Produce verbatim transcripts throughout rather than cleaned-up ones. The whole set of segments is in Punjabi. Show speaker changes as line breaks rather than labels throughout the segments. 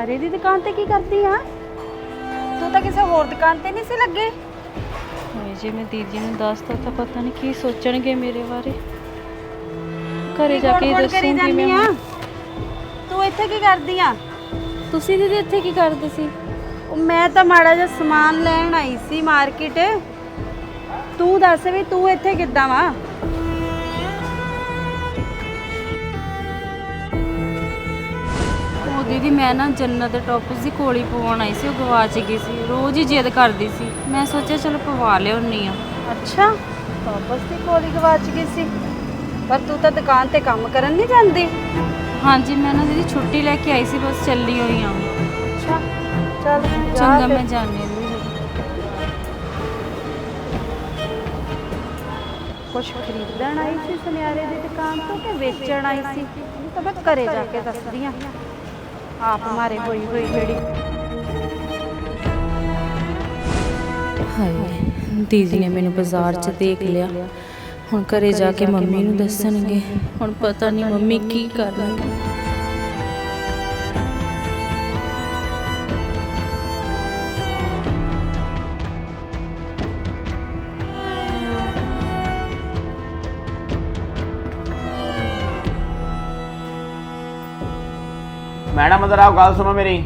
ਸੁਨਿਆਰੇ ਦੀ ਦੁਕਾਨ ਤੇ ਕੀ ਕਰਦੀ ਆ? ਤੂੰ ਤਾਂ ਕਿਸੇ ਹੋਰ ਦੁਕਾਨ ਤੇ ਨਹੀਂ ਸੀ ਲੱਗੇ।
ਹਾਏ ਜੇ ਮੈਂ ਦੀਦੀ ਨੂੰ ਦੱਸਦਾ ਤਾਂ ਪਤਾ ਨਹੀਂ ਕੀ ਸੋਚਣਗੇ ਮੇਰੇ ਬਾਰੇ। ਘਰੇ ਜਾ ਕੇ ਦੱਸੂਗੀ ਮੈਂ।
ਤੂੰ ਇੱਥੇ ਕੀ ਕਰਦੀ ਆ?
ਤੁਸੀਂ ਦੀਦੀ ਇੱਥੇ ਕੀ ਕਰਦੇ ਸੀ?
ਉਹ ਮੈਂ ਤਾਂ ਮਾੜਾ ਜਿਹਾ ਸਮਾਨ ਲੈਣ ਆਈ ਸੀ ਮਾਰਕੀਟ। ਤੂੰ ਦੱਸ ਵੀ ਤੂੰ ਇੱਥੇ ਕਿੱਦਾਂ ਵਾ?
ਉਹ ਦੀਦੀ ਮੈਂ ਨਾ ਜੰਨਤ ਦੇ ਟੌਪਸ ਦੀ ਕੋਲੀ ਪਵਾਉਣ ਆਈ ਸੀ, ਉਹ ਗਵਾਚ ਗਈ ਸੀ। ਰੋਜ਼ ਹੀ ਜਿੱਦ ਕਰਦੀ ਸੀ, ਮੈਂ ਸੋਚਿਆ ਚਲੋ ਪਵਾ ਲਿਆਉਣੀ ਆ।
ਅੱਛਾ, ਟੌਪਸ ਦੀ ਕੋਲੀ ਗਵਾਚ ਗਈ ਸੀ। ਪਰ ਤੂੰ ਤਾਂ ਦੁਕਾਨ ਤੇ ਕੰਮ ਕਰਨ ਨਹੀਂ ਜਾਂਦੀ।
ਹਾਂਜੀ ਮੈਂ ਨਾ ਦੀਦੀ ਛੁੱਟੀ ਲੈ ਕੇ ਆਈ ਸੀ, ਬਸ ਚੱਲੀ ਹੋਈ ਆ।
ਅੱਛਾ ਚੱਲ
ਚੰਗਾ ਮੈਂ ਜਾਣੀ ਦੀਦੀ।
ਕੁਛ ਖਰੀਦਣ ਆਈ ਸੀ ਸੁਨਿਆਰੇ ਦੀ ਦੁਕਾਨ ਤੋਂ ਕਿ ਵੇਚਣ ਆਈ ਸੀ? ਤਾਂ ਮੈਂ ਘਰੇ ਜਾ ਕੇ ਦੱਸਦੀ ਆ ਆਪ ਮਾਰੇ ਹੋਈ ਹੋਈ ਜਿਹੜੀ।
ਹਾਏ ਦੀਦੀ ਨੇ ਮੈਨੂੰ ਬਾਜ਼ਾਰ 'ਚ ਦੇਖ ਲਿਆ, ਹੁਣ ਘਰੇ ਜਾ ਕੇ ਮੰਮੀ ਨੂੰ ਦੱਸਣਗੇ। ਹੁਣ ਪਤਾ ਨਹੀਂ ਮੰਮੀ ਕੀ ਕਰਨਗੇ।
मैडम इधर आओ, गल सुनो मेरी।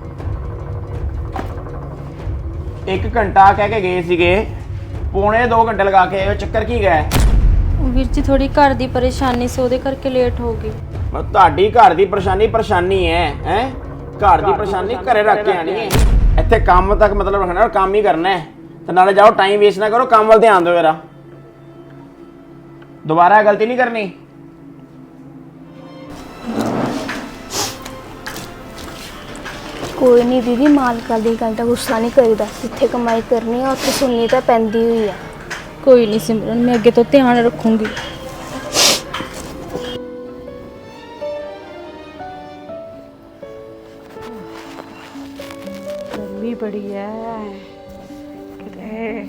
एक घंटा कह के गए सीगे, पौने दो घंटे लगा के आए। चक्कर की गया?
ਵੀਰ ਜੀ ਥੋੜੀ ਘਰ ਦੀ ਪਰੇਸ਼ਾਨੀ ਸੀ, ਉਹਦੇ ਕਰਕੇ ਲੇਟ ਹੋ ਗਈ।
मैं ਤੁਹਾਡੀ ਘਰ ਦੀ ਪਰੇਸ਼ਾਨੀ ਪਰੇਸ਼ਾਨੀ ਹੈ ਹੈ ਘਰ ਦੀ ਪਰੇਸ਼ਾਨੀ ਘਰੇ ਰੱਖ ਕੇ ਆਣੀ ਹੈ। ਇੱਥੇ ਕੰਮ ਤੱਕ ਮਤਲਬ ਰੱਖਣਾ, ਕੰਮ ਹੀ ਕਰਨਾ ਹੈ। ਤੇ ਨਾਲੇ ਜਾਓ, ਟਾਈਮ ਵੇਸਟ ਨਾ ਕਰੋ, ਕੰਮ ਵੱਲ ਧਿਆਨ ਦਿਓ ਮੇਰਾ। ਦੁਬਾਰਾ ਗਲਤੀ ਨਹੀਂ ਕਰਨੀ।
कोई नहीं दीदी, मालका दी गल दा गुस्सा नहीं करीदा। जिथे कमाई करनी है उत्थे सुननी तो पैंदी हुई है।
ਕੋਈ ਨਹੀਂ ਸਿਮਰਨ, ਮੈਂ ਅੱਗੇ ਤੋਂ ਧਿਆਨ ਰੱਖੂੰਗੀ।
ਗਰਮੀ ਬੜੀ ਹੈ ਕਿਤੇ।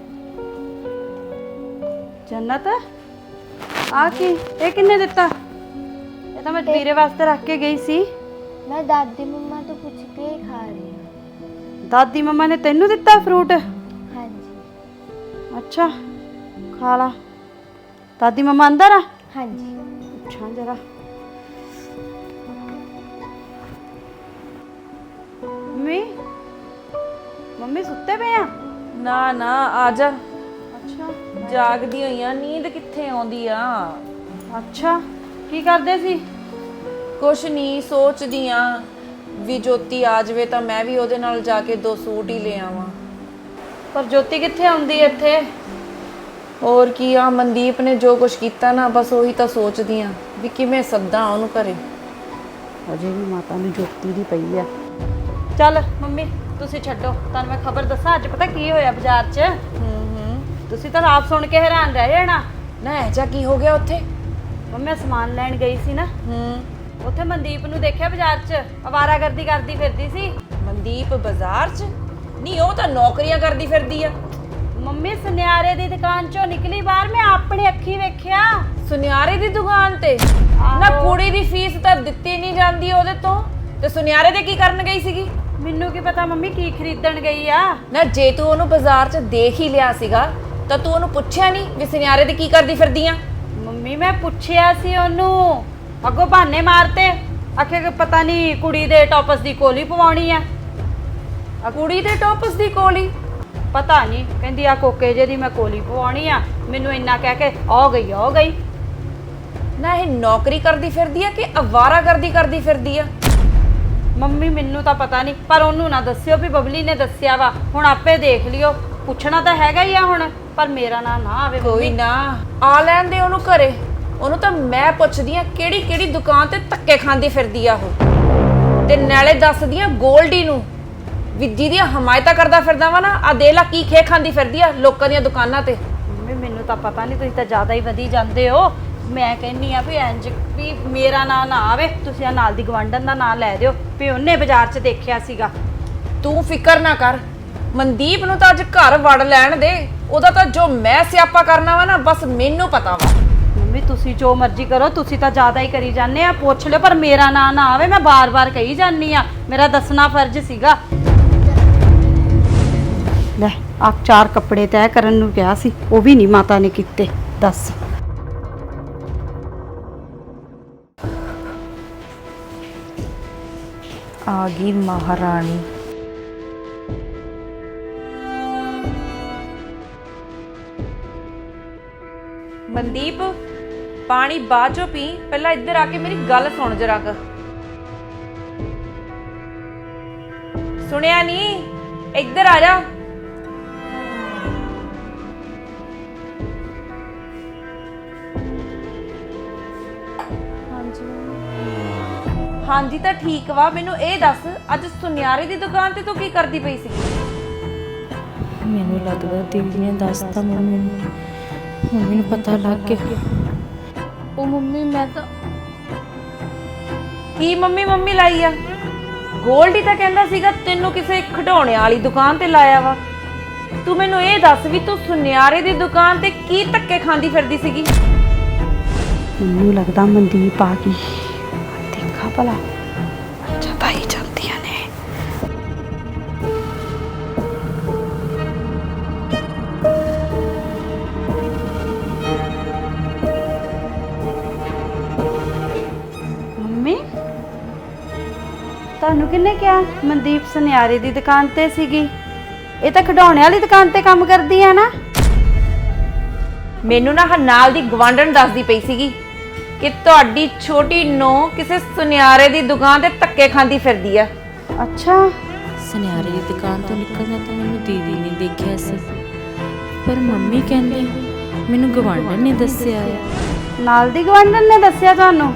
ਜੰਨਤ ਆ ਕੀ? ਇਹ ਕਿੰਨੇ ਦਿੱਤਾ? ਇਹ ਤਾਂ ਮੈਂ ਵੀਰੇ ਵਾਸਤੇ ਰੱਖ ਕੇ ਗਈ ਸੀ।
मैं दादी मम्मा तो पूछ के ही खा रही हूँ।
ਦਾਦੀ ਮੰਮਾ ਨੇ ਤੈਨੂੰ ਦਿੱਤਾ ਫਰੂਟ?
हाँ जी।
ਅੱਛਾ ਖਾ ਲਾ। ਦਾਦੀ ਮੰਮਾ ਅੰਦਰ ਆ?
हाँ जी।
ਪੁੱਛਾਂ ਜਰਾ। ਮੰਮੀ ਮੰਮੀ ਸੁੱਤੇ ਪਏ ਆ?
ਨਾ ਨਾ ਆ ਜਾ।
ਅੱਛਾ
ਜਾਗਦੀ ਹੋਈ ਆ, ਨੀਂਦ ਕਿੱਥੇ ਆਉਂਦੀ ਆ।
ਅੱਛਾ ਕੀ ਕਰਦੇ ਸੀ?
ਕੁਛ ਨਹੀਂ, ਸੋਚਦੀ ਆ ਵੀ ਜੋਤੀ ਆ ਜਾਵੇ ਤਾਂ ਮੈਂ ਵੀ ਉਹਦੇ ਨਾਲ ਜਾ ਕੇ ਦੋ ਸੂਟ ਹੀ ਲੈ ਆਵਾਂ।
ਪਰ ਜੋਤੀ ਕਿੱਥੇ ਆਉਂਦੀ ਇੱਥੇ?
ਹੋਰ ਕੀ ਆ, ਮਨਦੀਪ ਨੇ ਜੋ ਕੁਛ ਕੀਤਾ ਨਾ, ਬਸ ਉਹੀ ਤਾਂ ਸੋਚਦੀ ਆ ਵੀ ਕਿਵੇਂ ਸੱਦਾਂ ਉਹਨੂੰ ਘਰੇ।
ਅਜੇ ਵੀ ਮਾਤਾ ਨੂੰ ਜੋਤੀ ਦੀ ਪਈ ਆ। ਚੱਲ ਮੰਮੀ ਤੁਸੀਂ ਛੱਡੋ, ਤੁਹਾਨੂੰ ਮੈਂ ਖਬਰ ਦੱਸਾਂ ਅੱਜ ਪਤਾ ਕੀ ਹੋਇਆ ਬਾਜ਼ਾਰ 'ਚ।
ਹੂੰ ਹੂੰ।
ਤੁਸੀਂ ਤਾਂ ਆਪ ਸੁਣ ਕੇ ਹੈਰਾਨ ਰਹਿ ਜਾਣਾ।
ਨਾ ਇਹ ਜਾ ਕੀ ਹੋ ਗਿਆ ਉੱਥੇ?
ਮੰਮੀ ਮੈਂ ਸਮਾਨ ਲੈਣ ਗਈ ਸੀ ਨਾ,
ਹੂੰ।
ਉੱਥੇ ਮਨਦੀਪ ਨੂੰ ਦੇਖਿਆ ਬਾਜ਼ਾਰ 'ਚ ਅਵਾਰਾਗਰਦੀ ਕਰਦੀ ਫਿਰਦੀ ਸੀ।
ਮਨਦੀਪ ਬਾਜ਼ਾਰ 'ਚ? ਨਹੀਂ ਉਹ ਤਾਂ ਨੌਕਰੀਆਂ ਕਰਦੀ ਫਿਰਦੀ ਆ।
ਮੰਮੀ ਸੁਨਿਆਰੇ ਦੀ ਦੁਕਾਨ 'ਚੋਂ ਨਿਕਲੀ ਬਾਹਰ, ਮੈਂ ਆਪਣੀ ਅੱਖੀ ਵੇਖਿਆ।
ਸੁਨਿਆਰੇ ਦੀ ਦੁਕਾਨ ਤੇ? ਨਾ ਕੁੜੀ ਦੀ ਫੀਸ ਤਾਂ ਦਿੱਤੀ ਨਹੀਂ ਜਾਂਦੀ ਉਹਦੇ ਤੋਂ, ਤੇ ਸੁਨਿਆਰੇ ਦੇ ਕੀ ਕਰਨ ਗਈ ਸੀਗੀ?
ਮੈਨੂੰ ਕੀ ਪਤਾ ਮੰਮੀ ਕੀ ਖਰੀਦਣ ਗਈ ਆ।
ਨਾ ਜੇ ਤੂੰ ਉਹਨੂੰ ਬਾਜ਼ਾਰ 'ਚ ਦੇਖ ਹੀ ਲਿਆ ਸੀਗਾ ਤਾਂ ਤੂੰ ਉਹਨੂੰ ਪੁੱਛਿਆ ਨਹੀਂ ਵੀ ਸੁਨਿਆਰੇ ਦੀ ਕੀ ਕਰਦੀ ਫਿਰਦੀ ਆ?
ਮੰਮੀ ਮੈਂ ਪੁੱਛਿਆ ਸੀ ਉਹਨੂੰ, ਅੱਗੋਂ ਬਹਾਨੇ ਮਾਰਤੇ। ਆਖੇ ਕਿ ਪਤਾ ਨਹੀਂ ਕੁੜੀ ਦੇ ਟੌਪਸ ਦੀ ਕੋਲੀ ਪਵਾਉਣੀ ਆ।
ਕੁੜੀ ਦੇ ਟੌਪਸ ਦੀ ਕੋਲੀ?
ਪਤਾ ਨਹੀਂ, ਕਹਿੰਦੀ ਆ ਕੋਕੇ ਜੇ ਦੀ ਮੈਂ ਕੋਲੀ ਪਵਾਉਣੀ ਆ। ਮੈਨੂੰ ਇੰਨਾ ਕਹਿ ਕੇ ਆ ਗਈ ਆ ਗਈ।
ਨਾ ਇਹ ਨੌਕਰੀ ਕਰਦੀ ਫਿਰਦੀ ਆ ਕਿ ਅਵਾਰਾਗਰਦੀ ਕਰਦੀ ਫਿਰਦੀ ਆ?
ਮੰਮੀ ਮੈਨੂੰ ਤਾਂ ਪਤਾ ਨਹੀਂ, ਪਰ ਉਹਨੂੰ ਨਾ ਦੱਸਿਓ ਵੀ ਬਬਲੀ ਨੇ ਦੱਸਿਆ ਵਾ। ਹੁਣ ਆਪੇ ਦੇਖ ਲਿਓ, ਪੁੱਛਣਾ ਤਾਂ ਹੈਗਾ ਹੀ ਆ ਹੁਣ, ਪਰ ਮੇਰਾ ਨਾਂ ਨਾ ਆਵੇ।
ਕੋਈ ਨਾ, ਆ ਲੈਣ ਦੇ ਉਹਨੂੰ ਘਰੇ। ਉਹਨੂੰ ਤਾਂ ਮੈਂ ਪੁੱਛਦੀ ਆ ਕਿਹੜੀ ਕਿਹੜੀ ਦੁਕਾਨ ਤੇ ਧੱਕੇ ਖਾਂਦੀ ਫਿਰਦੀ ਆ ਉਹ, ਤੇ ਨਾਲੇ ਦੱਸਦੀ ਆ ਗੋਲਡੀ ਨੂੰ ਵੀ ਜਿਹਦੀਆਂ ਹਮਾਇਤਾਂ ਕਰਦਾ ਫਿਰਦਾ ਵਾ ਨਾ, ਆ ਦੇ ਲਾ ਕੀ ਖੇ ਖਾਂਦੀ ਫਿਰਦੀ ਆ ਲੋਕਾਂ ਦੀਆਂ ਦੁਕਾਨਾਂ ਤੇ।
ਮੰਮੀ ਮੈਨੂੰ ਤਾਂ ਪਤਾ ਨਹੀਂ, ਤੁਸੀਂ ਤਾਂ ਜ਼ਿਆਦਾ ਹੀ ਵਧੀ ਜਾਂਦੇ ਹੋ। ਮੈਂ ਕਹਿੰਨੀ ਆ ਵੀ ਇੰਜ ਵੀ ਮੇਰਾ ਨਾਂ ਨਾ ਆਵੇ। ਤੁਸੀਂ ਆ ਨਾਲ ਦੀ ਗਵਾਂਢਣ ਦਾ ਨਾਂ ਲੈ ਦਿਓ ਵੀ ਉਹਨੇ ਬਾਜ਼ਾਰ 'ਚ ਦੇਖਿਆ ਸੀਗਾ।
ਤੂੰ ਫਿਕਰ ਨਾ ਕਰ, ਮਨਦੀਪ ਨੂੰ ਤਾਂ ਅੱਜ ਘਰ ਵੜ ਲੈਣ ਦੇ। ਉਹਦਾ ਤਾਂ ਜੋ ਮੈਂ ਸਿਆਪਾ ਕਰਨਾ ਵਾ ਨਾ, ਬਸ ਮੈਨੂੰ ਪਤਾ ਵਾ।
ਮੰਮੀ ਤੁਸੀਂ ਜੋ ਮਰਜ਼ੀ ਕਰੋ, ਤੁਸੀਂ ਤਾਂ ਜ਼ਿਆਦਾ ਹੀ ਕਰੀ ਜਾਂਦੇ ਆ। ਪੁੱਛ ਲਿਓ ਪਰ ਮੇਰਾ ਨਾਂ ਨਾ ਆਵੇ, ਮੈਂ ਬਾਰ-ਬਾਰ ਕਹੀ ਜਾਂਦੀ ਆ, ਮੇਰਾ ਦੱਸਣਾ ਫਰਜ਼ ਸੀਗਾ। ਲੈ ਆ ਚਾਰ ਕੱਪੜੇ ਤੈਅ ਕਰਨ ਨੂੰ ਕਿਹਾ ਸੀ, ਉਹ ਵੀ ਨਹੀਂ ਮਾਤਾ ਨੇ ਕੀਤੇ। ਦੱਸ
ਆ ਗਈ ਮਹਾਰਾਣੀ। ਮਨਦੀਪ ਪਾਣੀ ਬਾਅਦ ਚੋਂ ਪੀ, ਪਹਿਲਾਂ ਇੱਧਰ ਆ ਕੇ ਮੇਰੀ ਗੱਲ ਸੁਣ ਜਰਾ ਕ। ਸੁਣਿਆ ਨਹੀਂ? ਇੱਧਰ ਆ ਜਾ। ਹਾਂਜੀ ਤਾਂ ਠੀਕ ਵਾ, ਮੈਨੂੰ ਇਹ ਦੱਸ ਅੱਜ ਸੁਨਿਆਰੇ ਦੀ ਦੁਕਾਨ ਤੇ ਤੂੰ ਕੀ ਕਰਦੀ ਪਈ ਸੀ?
ਮੈਨੂੰ ਲੱਗਦਾ ਦੀਦੀ ਨੇ ਦੱਸਤਾ ਮੰਮੀ ਨੂੰ, ਮੰਮੀ ਨੂੰ ਪਤਾ ਲੱਗ ਗਿਆ।
ਉਹ ਮੰਮੀ ਮੈਂ ਤਾਂ
ਕੀ ਮੰਮੀ ਮੰਮੀ ਲਾਈ ਆ? ਗੋਲਡੀ ਤਾਂ ਕਹਿੰਦਾ ਸੀਗਾ ਤੈਨੂੰ ਕਿਸੇ ਖਿਡੌਣੇ ਵਾਲੀ ਦੁਕਾਨ ਤੇ ਲਾਇਆ ਵਾ। ਤੂੰ ਮੈਨੂੰ ਇਹ ਦੱਸ ਵੀ ਤੂੰ ਸੁਨਿਆਰੇ ਦੀ ਦੁਕਾਨ ਤੇ ਕੀ ਧੱਕੇ ਖਾਂਦੀ ਫਿਰਦੀ ਸੀਗੀ?
ਮੈਨੂੰ ਲੱਗਦਾ ਮਨਦੀਪ ਆ ਗਈ, ਦੇਖਾ ਭਲਾ। ਅੱਛਾ ਭਾਈ ਜਾਂਦੀਆਂ ਨੇ। ਮੰਮੀ ਤੁਹਾਨੂੰ ਕਿਹਨੇ ਕਿਹਾ ਮਨਦੀਪ ਸੁਨਿਆਰੇ ਦੀ ਦੁਕਾਨ ਤੇ ਸੀਗੀ? ਇਹ ਤਾਂ ਖਿਡੌਣੇ ਵਾਲੀ ਦੁਕਾਨ ਤੇ ਕੰਮ ਕਰਦੀ ਆ ਨਾ।
ਮੈਨੂੰ ਨਾ ਆਹ ਨਾਲ ਦੀ ਗਵਾਂਢਣ ਦੱਸਦੀ ਪਈ ਸੀਗੀ ਕਿ ਤੁਹਾਡੀ ਛੋਟੀ ਨੂੰਹ ਕਿਸੇ ਸੁਨਿਆਰੇ ਦੀ ਦੁਕਾਨ ਤੇ ਧੱਕੇ ਖਾਂਦੀ ਫਿਰਦੀ ਆ।
ਅੱਛਾ
ਸੁਨਿਆਰੇ ਦੀ ਦੁਕਾਨ ਤੋਂ ਨਿਕਲਦਾ ਤਾਂ ਮੈਨੂੰ ਦੀਦੀ ਨੇ ਦੇਖਿਆ ਸੀ, ਪਰ ਮੰਮੀ ਕਹਿੰਦੀ ਮੈਨੂੰ ਗਵਾਂਢਣ ਨੇ ਦੱਸਿਆ ਆ।
ਨਾਲ ਦੀ ਗਵਾਂਢਣ ਨੇ ਦੱਸਿਆ ਤੁਹਾਨੂੰ?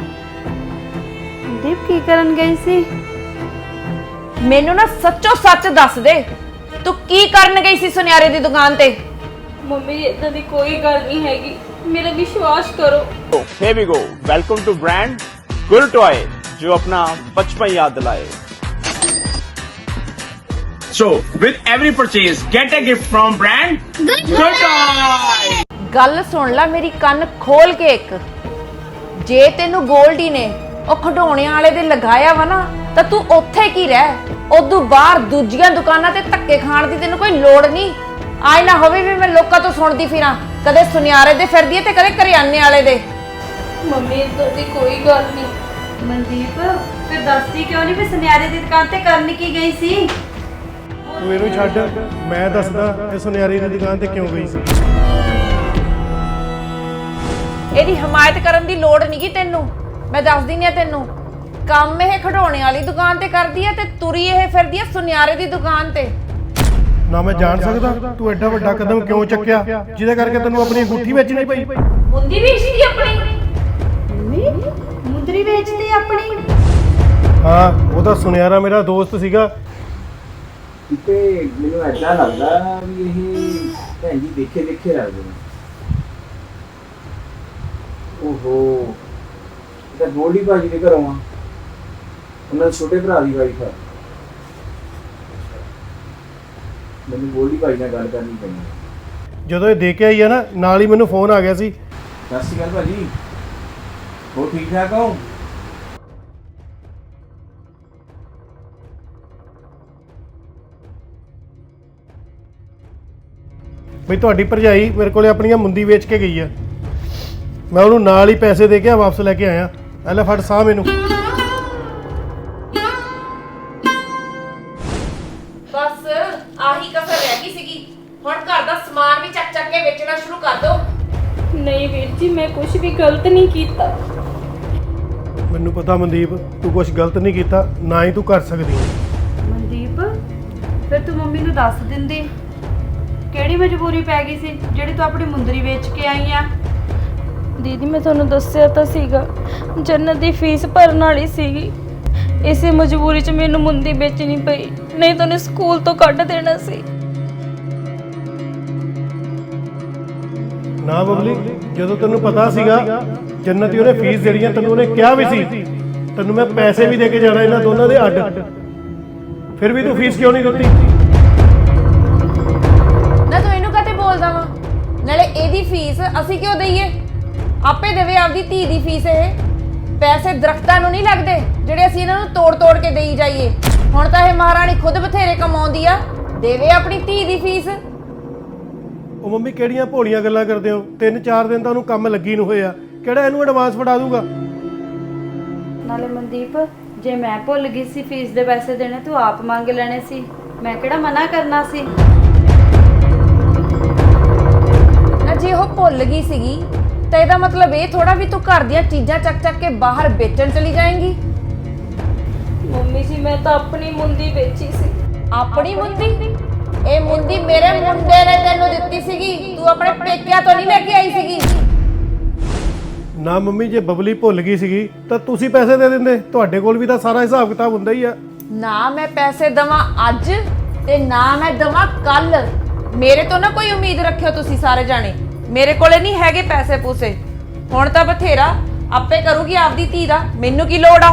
ਦੀਪ ਕੀ ਕਰਨ ਗਈ ਸੀ?
ਮੈਨੂੰ ਨਾ ਸੱਚੋ ਸੱਚ ਦੱਸ ਦੇ, ਤੂੰ ਕੀ ਕਰਨ ਗਈ ਸੀ ਸੁਨਿਆਰੇ ਦੀ ਦੁਕਾਨ ਤੇ?
ਮੰਮੀ ਇਦਾਂ ਦੀ ਕੋਈ ਗੱਲ ਨਹੀਂ ਹੈਗੀ, ਮੇਰਾ ਵਿਸ਼ਵਾਸ ਕਰੋ।
Here we go. Welcome to brand Gul Toy, जो अपना बचपन याद दिलाए. So, with every purchase, get a gift from brand Gul Toy.
ਗੱਲ ਸੁਣ ਲੈ ਮੇਰੀ, ਕੰਨ ਖੋਲ ਕੇ ਇੱਕ। ਜੇ ਤੈਨੂੰ ਗੋਲਡੀ ਨੇ ਉਹ ਖਿਡੌਣਿਆਂ ਵਾਲੇ ਦੇ ਲਗਾਇਆ ਵਾ ਨਾ, ਤਾਂ ਤੂੰ ਉੱਥੇ ਕੀ ਰਹਿ। ਉਦੋਂ ਬਾਹਰ ਦੂਜੀਆਂ ਦੁਕਾਨਾਂ ਤੇ ਧੱਕੇ ਖਾਣ ਦੀ ਤੈਨੂੰ ਕੋਈ ਲੋੜ ਨਹੀਂ। ਆਏ ਨਾ ਹੋਵੇ ਵੀ ਮੈਂ ਲੋਕਾਂ ਤੋਂ ਸੁਣਦੀ ਫਿਰਾਂ, ਕਦੇ ਸੁਨਿਆਰੇ ਦੇ ਫਿਰਦੀ ਤੇ ਕਦੇ ਕਰਿਆਨੇ ਵਾਲੇ ਦੇ।
ਮੰਮੀ ਇਦਾਂ ਦੀ ਕੋਈ ਗੱਲ ਨਹੀਂ।
ਮਨਦੀਪ ਫਿਰ ਦੱਸਦੀ ਕਿਉਂ ਨਹੀਂ ਵੀ ਸੁਨਿਆਰੇ ਦੀ ਦੁਕਾਨ ਤੇ ਕਰਨ ਕੀ ਗਈ ਸੀ?
ਤੂੰ ਇਹਨੂੰ ਛੱਡ, ਮੈਂ ਦੱਸਦਾ ਇਹ ਸੁਨਿਆਰੀ ਦੀ ਦੁਕਾਨ ਤੇ ਕਿਉਂ ਗਈ ਸੀ।
ਇਹਦੀ ਹਮਾਇਤ ਕਰਨ ਦੀ ਲੋੜ ਨਹੀਂਗੀ ਤੈਨੂੰ, ਮੈਂ ਦੱਸ ਦਿੰਦੀ ਆ ਤੈਨੂੰ। ਕੰਮ ਇਹ ਖਿਡੌਣੇ ਵਾਲੀ ਦੁਕਾਨ ਤੇ ਕਰਦੀ ਆ ਤੇ ਤੁਰੀ ਇਹ ਫਿਰਦੀ ਆ ਸੁਨਿਆਰੇ ਦੀ ਦੁਕਾਨ ਤੇ।
ਨਾ ਮੈਂ ਜਾਣ ਸਕਦਾ ਤੂੰ ਐਡਾ ਵੱਡਾ ਕਦਮ ਕਿਉਂ ਚੱਕਿਆ ਜਿਹਦੇ ਕਰਕੇ ਤੈਨੂੰ ਆਪਣੀ ਅੰਗੂਠੀ ਵੇਚਣੀ ਪਈ।
ਮੁੰਦੀ ਵੇਚਦੀ ਆਪਣੀ?
ਮੰਮੀ ਮੁੰਦਰੀ ਵੇਚਦੀ ਆਪਣੀ?
ਹਾਂ ਉਹ ਤਾਂ ਸੁਨਿਆਰਾ ਮੇਰਾ ਦੋਸਤ ਸੀਗਾ।
ਤੇ ਮੈਨੂੰ ਐਦਾਂ ਲੱਗਦਾ ਵੀ ਇਹ ਭੈਣ ਜੀ ਦੇਖੇ ਦੇਖੇ ਲੱਗਦੇ ਨੇ। ਓਹੋ ਇਹ ਤਾਂ ਗੋਲਡੀ ਭਾਜੀ ਦੇ ਘਰੋਂ ਆ, ਉਹਨਾਂ ਦੇ ਛੋਟੇ ਭਰਾ ਦੀ ਵਾਈਫ ਆ। ਮੈਨੂੰ ਗੋਲਡੀ ਭਾਜੀ ਨਾਲ ਗੱਲ ਕਰਨੀ ਪੈਣੀ।
ਜਦੋਂ ਇਹ ਦੇ ਕੇ ਆਈ ਆ ਨਾ, ਨਾਲ ਹੀ ਮੈਨੂੰ ਫੋਨ ਆ ਗਿਆ ਸੀ।
ਸਤਿ ਸ਼੍ਰੀ ਅਕਾਲ ਭਾਜੀ, ਹੋਰ ਠੀਕ ਠਾਕ ਹੋ?
ਬਈ ਤੁਹਾਡੀ ਭਰਜਾਈ ਮੇਰੇ ਕੋਲੇ ਆਪਣੀਆਂ ਮੁੰਦੀ ਵੇਚ ਕੇ ਗਈ ਆ। ਮੈਂ ਉਹਨੂੰ ਨਾਲ ਹੀ ਪੈਸੇ ਦੇ ਕੇ ਵਾਪਸ ਲੈ ਕੇ ਆਇਆ। ਐ ਲੈ ਫੜ ਸਾਹ ਮੈਨੂੰ।
ਬਸ ਆਹੀ ਕਸਰ ਰਹਿ ਗਈ ਸੀਗੀ, ਹੁਣ ਘਰ ਦਾ ਸਮਾਨ ਵੀ ਚੱਕ ਚੱਕ ਕੇ ਵੇਚਣਾ ਸ਼ੁਰੂ ਕਰ ਦੋ।
ਨਹੀਂ ਵੀਰ ਜੀ, ਮੈਂ ਕੁਝ ਵੀ ਗਲਤ ਨਹੀਂ ਕੀਤਾ।
ਮੈਨੂੰ ਪਤਾ ਮਨਦੀਪ ਤੂੰ ਕੁਝ ਗਲਤ ਨਹੀਂ ਕੀਤਾ, ਨਾ ਹੀ ਤੂੰ ਕਰ ਸਕਦੀ।
ਮਨਦੀਪ ਫਿਰ ਤੂੰ ਮੰਮੀ ਨੂੰ ਦੱਸ ਦਿੰਦੀ, ਕਿਹੜੀ ਮਜਬੂਰੀ ਪੈ ਗਈ ਸੀ ਜਿਹੜੀ ਤੂੰ ਆਪਣੀ ਮੁੰਦਰੀ ਵੇਚ ਕੇ ਆਈ ਆ?
ਦੀਦੀ ਮੈਂ ਤੁਹਾਨੂੰ ਦੱਸਿਆ ਤਾਂ ਸੀਗਾ, ਜੰਨਤ ਦੀ ਫੀਸ ਭਰਨ ਵਾਲੀ ਸੀਗੀ। ਇਸੇ ਮਜਬੂਰੀ 'ਚ ਮੈਨੂੰ ਮੁੰਦੀ ਵੇਚਣੀ ਪਈ, ਨਹੀਂ ਤਾਂ ਉਹਨੇ ਸਕੂਲ ਤੋਂ ਕੱਢ ਦੇਣਾ ਸੀ।
ਨਾ ਬਬਲੀ, ਜਦੋਂ ਤੈਨੂੰ ਪਤਾ ਸੀਗਾ ਜੰਨਤ ਦੀ ਉਹਨੇ ਫੀਸ ਦੇਣੀ ਆ, ਤੈਨੂੰ ਉਹਨੇ ਕਿਹਾ ਵੀ ਸੀ ਤੈਨੂੰ ਮੈਂ ਪੈਸੇ ਵੀ ਦੇ ਕੇ ਜਾਣਾ ਇਹਨਾਂ ਦੋਨਾਂ ਦੇ ਅੱਡ, ਫਿਰ ਵੀ ਤੂੰ ਫੀਸ ਕਿਉਂ ਨਹੀਂ ਦਿੱਤੀ?
ਨਾ ਤੂੰ ਇਹਨੂੰ ਕਾਤੇ ਬੋਲਦਾ ਵਾ? ਨਾਲੇ ਇਹਦੀ ਫੀਸ ਅਸੀਂ ਕਿਉਂ ਦਈਏ? ਆਪੇ ਦੇਵੇ ਆਪਦੀ ਧੀ ਦੀ ਫੀਸ। ਇਹ ਪੈਸੇ ਦਰਖਤਾਂ ਨੂੰ ਨਹੀਂ ਲੱਗਦੇ ਜਿਹੜੇ ਅਸੀਂ ਇਹਨਾਂ ਨੂੰ ਤੋੜ ਤੋੜ ਕੇ ਦੇਈ ਜਾਈਏ। ਹੁਣ ਤਾਂ ਇਹ ਮਹਾਰਾਣੀ ਖੁਦ ਬਥੇਰੇ ਕਮਾਉਂਦੀ ਆ, ਦੇਵੇ ਆਪਣੀ ਧੀ ਦੀ ਫੀਸ।
ਉਹ ਮੰਮੀ ਕਿਹੜੀਆਂ ਭੋਲੀਆਂ ਗੱਲਾਂ ਕਰਦੇ ਹੋ? ਤਿੰਨ ਚਾਰ ਦਿਨ ਤਾਂ ਉਹਨੂੰ ਕੰਮ ਲੱਗੀ ਨੂੰ ਹੋਇਆ, ਕਿਹੜਾ ਇਹਨੂੰ ਐਡਵਾਂਸ ਫੜਾ ਦੂਗਾ?
ਨਾਲੇ ਮਨਦੀਪ, ਜੇ ਮੈਂ ਭੁੱਲ ਗਈ ਸੀ ਫੀਸ ਦੇ ਪੈਸੇ ਦੇਣੇ, ਤੂੰ ਆਪ ਮੰਗ ਲੈਣੇ ਸੀ, ਮੈਂ ਕਿਹੜਾ ਮਨਾ ਕਰਨਾ ਸੀ।
ਨਾ ਜੇ ਉਹ ਭੁੱਲ ਗਈ ਸੀਗੀ ਤਾਂ ਇਹਦਾ ਮਤਲਬ ਇਹ ਥੋੜਾ ਵੀ ਤੂੰ ਘਰ ਦੀਆਂ ਚੀਜ਼ਾਂ ਚੱਕ ਚੱਕ ਕੇ ਬਾਹਰ ਵੇਚਣ ਚਲੀ ਜਾਏਂਗੀ।
ਮੰਮੀ ਜੀ ਮੈਂ ਤਾਂ ਆਪਣੀ ਮੁੰਦੀ ਵੇਚੀ ਸੀ।
ਆਪਣੀ ਮੁੰਦੀ? ਇਹ ਮੁੰਦੀ ਮੇਰੇ ਮੁੰਡੇ ਨੇ ਤੈਨੂੰ ਦਿੱਤੀ ਸੀਗੀ, ਤੂੰ ਆਪਣੇ ਪੇਕਿਆਂ ਤੋਂ ਨਹੀਂ ਲੈ ਕੇ ਆਈ ਸੀਗੀ।
ਨਾ ਮੰਮੀ, ਜੇ ਬਬਲੀ ਭੁੱਲ ਗਈ ਸੀਗੀ ਤਾਂ ਤੁਸੀਂ ਪੈਸੇ ਦੇ ਦਿੰਦੇ। ਤੁਹਾਡੇ ਕੋਲ ਵੀ ਤਾਂ ਸਾਰਾ ਹਿਸਾਬ ਕਿਤਾਬ ਹੁੰਦਾ ਹੀ ਆ।
ਨਾ ਮੈਂ ਪੈਸੇ ਦਵਾਂ ਅੱਜ ਤੇ ਨਾ ਮੈਂ ਦਵਾਂ ਕੱਲ। ਮੇਰੇ ਤੋਂ ਨਾ ਕੋਈ ਉਮੀਦ ਰੱਖਿਓ ਤੁਸੀਂ ਸਾਰੇ ਜਾਣੇ। ਮੇਰੇ ਕੋਲੇ ਨਹੀਂ ਹੈਗੇ ਪੈਸੇ ਪੂਸੇ। ਹੁਣ ਤਾਂ ਬਥੇਰਾ ਆਪੇ ਕਰੂਗੀ ਆਪਦੀ ਧੀ ਦਾ, ਮੈਨੂੰ ਕੀ ਲੋੜ ਆ।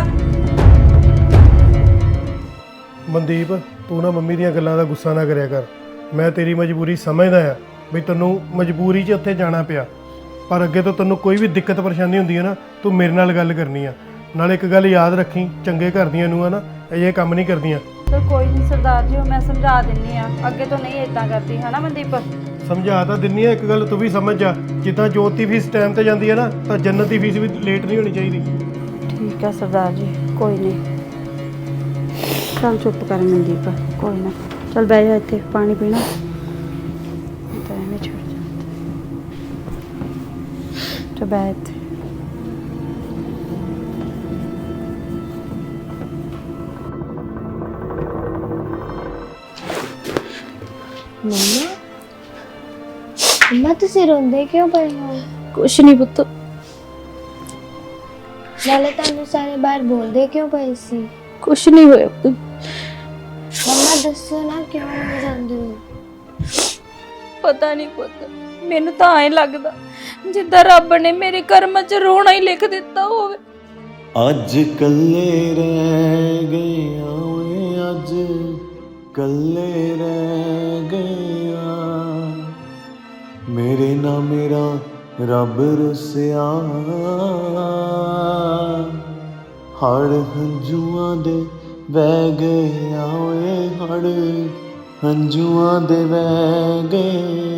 ਮਨਦੀਪ, ਤੂੰ ਨਾ ਮੰਮੀ ਦੀਆਂ ਗੱਲਾਂ ਦਾ ਗੁੱਸਾ ਨਾ ਕਰਿਆ ਕਰ। ਮੈਂ ਤੇਰੀ ਮਜਬੂਰੀ ਸਮਝਦਾ ਆ ਵੀ ਤੈਨੂੰ ਮਜਬੂਰੀ 'ਚ ਉੱਥੇ ਜਾਣਾ ਪਿਆ, ਪਰ ਅੱਗੇ ਤੋਂ ਤੈਨੂੰ ਕੋਈ ਵੀ ਦਿੱਕਤ ਪਰੇਸ਼ਾਨੀ ਹੁੰਦੀ ਹੈ ਨਾ, ਤੂੰ ਮੇਰੇ ਨਾਲ ਗੱਲ ਕਰਨੀ ਆ। ਨਾਲੇ ਇੱਕ ਗੱਲ ਯਾਦ ਰੱਖੀ, ਚੰਗੇ ਘਰ ਦੀਆਂ ਨੂੰ ਆ ਨਾ ਇਹ ਕੰਮ ਨਹੀਂ ਕਰਦੀਆਂ।
ਚਲ ਕੋਈ ਨਹੀਂ ਸਰਦਾਰ ਜੀ, ਉਹ ਮੈਂ ਸਮਝਾ ਦਿੰਨੀ ਆ, ਅੱਗੇ ਤੋਂ ਨਹੀਂ ਇਦਾਂ ਕਰਦੀ, ਹਨਾ ਮਨਦੀਪ?
ਸਮਝਾ ਤਾਂ ਦਿੰਨੀ ਆ, ਇੱਕ ਗੱਲ ਤੂੰ ਵੀ ਸਮਝ ਜਾ, ਜਿੱਦਾਂ ਜੋਤ ਦੀ ਫੀਸ ਟਾਈਮ ਤੇ ਜਾਂਦੀ ਹੈ ਨਾ, ਤਾਂ ਜੰਨਤ ਦੀ ਫੀਸ ਵੀ ਲੇਟ ਨਹੀਂ ਹੋਣੀ ਚਾਹੀਦੀ।
ਠੀਕ ਹੈ ਸਰਦਾਰ ਜੀ, ਕੋਈ ਨਹੀਂ। ਚੱਲ ਚੁੱਪ ਕਰ ਮਨਦੀਪ, ਕੋਈ ਨਾ। ਚੱਲ ਬਹਿ ਜਾ ਇੱਥੇ, ਪਾਣੀ ਪੀਣਾ ਤਾਂ ਐਵੇਂ ਛੱਡ ਜਾਂਦਾ। ਚੱਲ ਬਹਿ ਇੱਥੇ।
ਮੰਮਾ ਮੰਮਾ ਤੁਸੀਂ ਰੋਂਦੇ ਕਿਉਂ ਪਏ ਹੋ?
ਕੁਛ ਨਹੀਂ ਪੁੱਤ।
ਨਾਲੇ ਤੁਹਾਨੂੰ ਸਾਰੇ ਬਾਹਰ ਬੋਲਦੇ ਕਿਉਂ ਪਏ ਸੀ?
ਕੁਛ ਨਹੀਂ ਹੋਇਆ ਪੁੱਤ।
ਮੰਮਾ ਦੱਸੋ ਨਾ ਕਿਉਂ ਰੋ ਜਾਂਦੇ ਹੋ?
ਪਤਾ ਨਹੀਂ ਪੁੱਤ, ਮੈਨੂੰ ਤਾਂ ਐਂ ਲੱਗਦਾ ਜਿੱਦਾਂ ਰੱਬ ਨੇ ਮੇਰੇ ਕਰਮਾਂ 'ਚ ਰੋਣਾ ਹੀ ਲਿਖ ਦਿੱਤਾ ਹੋਵੇ।
ਅੱਜ ਕੱਲੇ ਰਹਿ ਗਏ ਓਏ, ਅੱਜ ਕੱਲੇ ਰਹਿ ਗਿਆ, ਮੇਰੇ ਨਾਲ ਮੇਰਾ ਰੱਬ ਰੁੱਸਿਆ, ਹੜ ਹੰਝੂਆਂ ਦੇ ਵਹਿ ਗਏ ਓਏ, ਹੜ ਹੰਝੂਆਂ ਦੇ ਵਹਿ ਗਏ।